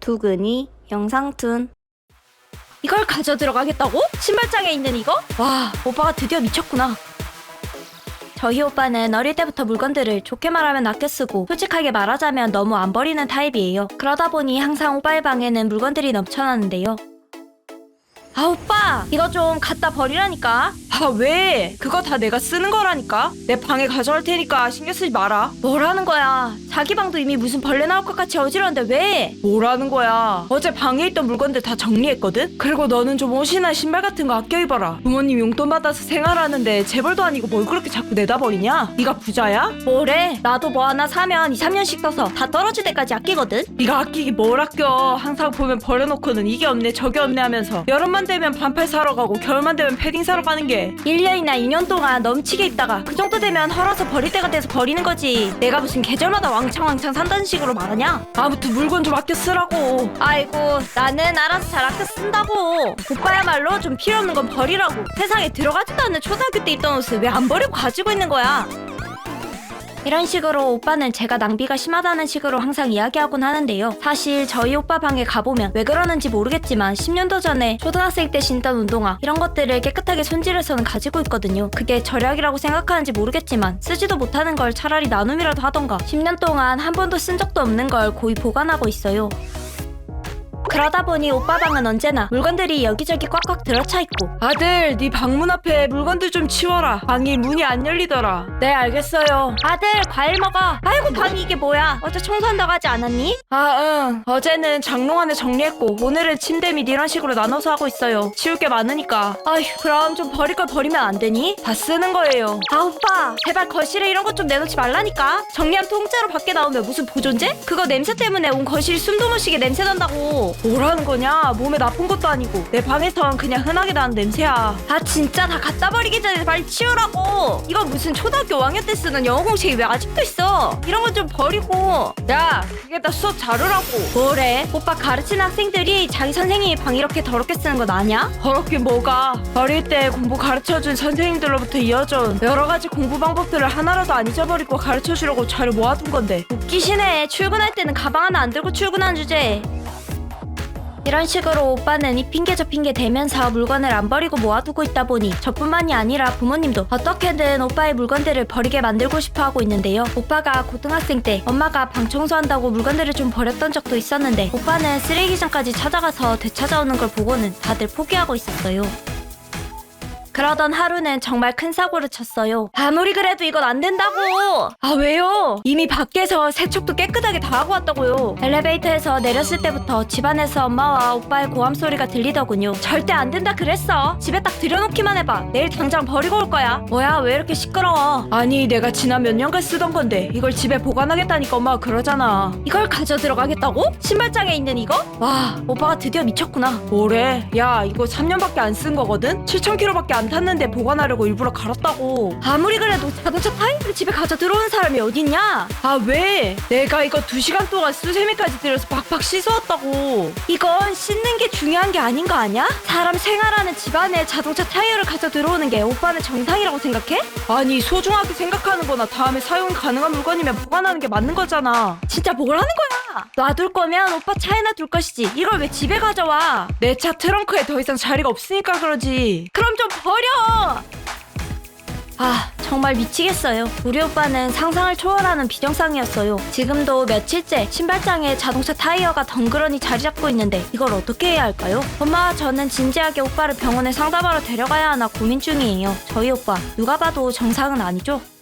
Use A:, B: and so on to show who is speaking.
A: 두근이 영상툰.
B: 이걸 가져 들어가겠다고? 신발장에 있는 이거? 와, 오빠가 드디어 미쳤구나. 저희 오빠는 어릴 때부터 물건들을 좋게 말하면 아껴 쓰고 솔직하게 말하자면 너무 안 버리는 타입이에요. 그러다 보니 항상 오빠의 방에는 물건들이 넘쳐나는데요. 아, 오빠! 이거 좀 갖다 버리라니까.
C: 아, 왜? 그거 다 내가 쓰는 거라니까? 내 방에 가져갈 테니까 신경 쓰지 마라.
B: 뭐라는 거야? 자기 방도 이미 무슨 벌레 나올 것 같이 어지러운데 왜?
C: 뭐라는 거야? 어제 방에 있던 물건들 다 정리했거든? 그리고 너는 좀 옷이나 신발 같은 거 아껴 입어라. 부모님 용돈 받아서 생활하는데 재벌도 아니고 뭘 그렇게 자꾸 내다 버리냐? 네가 부자야?
B: 뭐래? 나도 뭐 하나 사면 2, 3년씩 써서 다 떨어질 때까지 아끼거든?
C: 네가 아끼기 뭘 아껴. 항상 보면 버려놓고는 이게 없네 저게 없네 하면서 여름만 되면 반팔 사러 가고 겨울만 되면 패딩 사러 가는 게
B: 1년이나 2년 동안 넘치게 입다가 그 정도 되면 헐어서 버릴 때가 돼서 버리는 거지. 내가 무슨 계절마다 왕창 산다는 식으로 말하냐?
C: 아무튼 물건 좀 아껴 쓰라고.
B: 아이고, 나는 알아서 잘 아껴 쓴다고. 오빠야말로 좀 필요 없는 건 버리라고. 세상에 들어가지도 않는 초등학교 때 입던 옷을 왜 안 버리고 가지고 있는 거야? 이런 식으로 오빠는 제가 낭비가 심하다는 식으로 항상 이야기하곤 하는데요. 사실 저희 오빠 방에 가보면 왜 그러는지 모르겠지만 10년도 전에 초등학생 때 신던 운동화 이런 것들을 깨끗하게 손질해서는 가지고 있거든요. 그게 절약이라고 생각하는지 모르겠지만 쓰지도 못하는 걸 차라리 나눔이라도 하던가 10년 동안 한 번도 쓴 적도 없는 걸 고이 보관하고 있어요. 그러다 보니 오빠 방은 언제나 물건들이 여기저기 꽉꽉 들어차 있고.
C: 아들, 네 방문 앞에 물건들 좀 치워라. 방이 문이 안 열리더라.
B: 네, 알겠어요. 아들, 과일 먹어. 아이고, 방이 이게 뭐야? 어제 청소한다고 하지 않았니?
C: 아, 응. 어제는 장롱 안에 정리했고 오늘은 침대 및 이런 식으로 나눠서 하고 있어요. 치울 게 많으니까.
B: 아휴, 그럼 좀 버릴 걸 버리면 안 되니?
C: 다 쓰는 거예요.
B: 아, 오빠, 제발 거실에 이런 것 좀 내놓지 말라니까. 정리한 통째로 밖에 나오면 무슨 보존제? 그거 냄새 때문에 온 거실이 숨도 못 쉬게 냄새 난다고.
C: 뭐라는 거냐? 몸에 나쁜 것도 아니고 내 방에선 그냥 흔하게 나는 냄새야.
B: 아, 진짜 다 갖다 버리기 전에 빨리 치우라고. 이거 무슨 초등학교 5학년 때 쓰는 영어 공식이 왜 아직도 있어? 이런 건 좀 버리고.
C: 야, 그게 다 수업 자료라고.
B: 뭐래? 오빠 가르치는 학생들이 자기 선생님이 방 이렇게 더럽게 쓰는 건 아냐?
C: 더럽긴 뭐가. 어릴 때 공부 가르쳐준 선생님들로부터 이어져온 여러 가지 공부 방법들을 하나라도 안 잊어버리고 가르쳐주려고 자료 모아둔 건데.
B: 웃기시네. 출근할 때는 가방 하나 안 들고 출근한 주제에. 이런 식으로 오빠는 이 핑계 저 핑계 대면서 물건을 안 버리고 모아두고 있다 보니 저뿐만이 아니라 부모님도 어떻게든 오빠의 물건들을 버리게 만들고 싶어 하고 있는데요. 오빠가 고등학생 때 엄마가 방 청소한다고 물건들을 좀 버렸던 적도 있었는데 오빠는 쓰레기장까지 찾아가서 되찾아오는 걸 보고는 다들 포기하고 있었어요. 그러던 하루는 정말 큰 사고를 쳤어요. 아무리 그래도 이건 안 된다고.
C: 아, 왜요?
B: 이미 밖에서 세척도 깨끗하게 다 하고 왔다고요. 엘리베이터에서 내렸을 때부터 집안에서 엄마와 오빠의 고함 소리가 들리더군요. 절대 안 된다 그랬어. 집에 딱 들여놓기만 해봐. 내일 당장 버리고 올 거야. 뭐야, 왜 이렇게 시끄러워?
C: 아니, 내가 지난 몇 년간 쓰던 건데 이걸 집에 보관하겠다니까 엄마가 그러잖아.
B: 이걸 가져 들어가겠다고? 신발장에 있는 이거? 와, 오빠가 드디어 미쳤구나.
C: 뭐래? 야, 이거 3년밖에 안 쓴 거거든? 7,000km밖에 안 탔는데 보관하려고 일부러 갈았다고.
B: 아무리 그래도 자동차 타이어를 집에 가져 들어오는 사람이 어딨냐?
C: 아, 왜? 내가 이거 2시간 동안 수세미까지 들여서 박박 씻어왔다고.
B: 이건 씻는 게 중요한 게 아닌 거 아니야? 사람 생활하는 집안에 자동차 타이어를 가져 들어오는 게 오빠는 정상이라고 생각해?
C: 아니, 소중하게 생각하는 거나 다음에 사용이 가능한 물건이면 보관하는 게 맞는 거잖아.
B: 진짜 뭐라는 거야? 놔둘 거면 오빠 차에나 둘 것이지. 이걸 왜 집에 가져와?
C: 내 차 트렁크에 더 이상 자리가 없으니까 그러지.
B: 그럼 좀 버려! 아, 정말 미치겠어요. 우리 오빠는 상상을 초월하는 비정상이었어요. 지금도 며칠째 신발장에 자동차 타이어가 덩그러니 자리 잡고 있는데 이걸 어떻게 해야 할까요? 엄마와 저는 진지하게 오빠를 병원에 상담하러 데려가야 하나 고민 중이에요. 저희 오빠 누가 봐도 정상은 아니죠?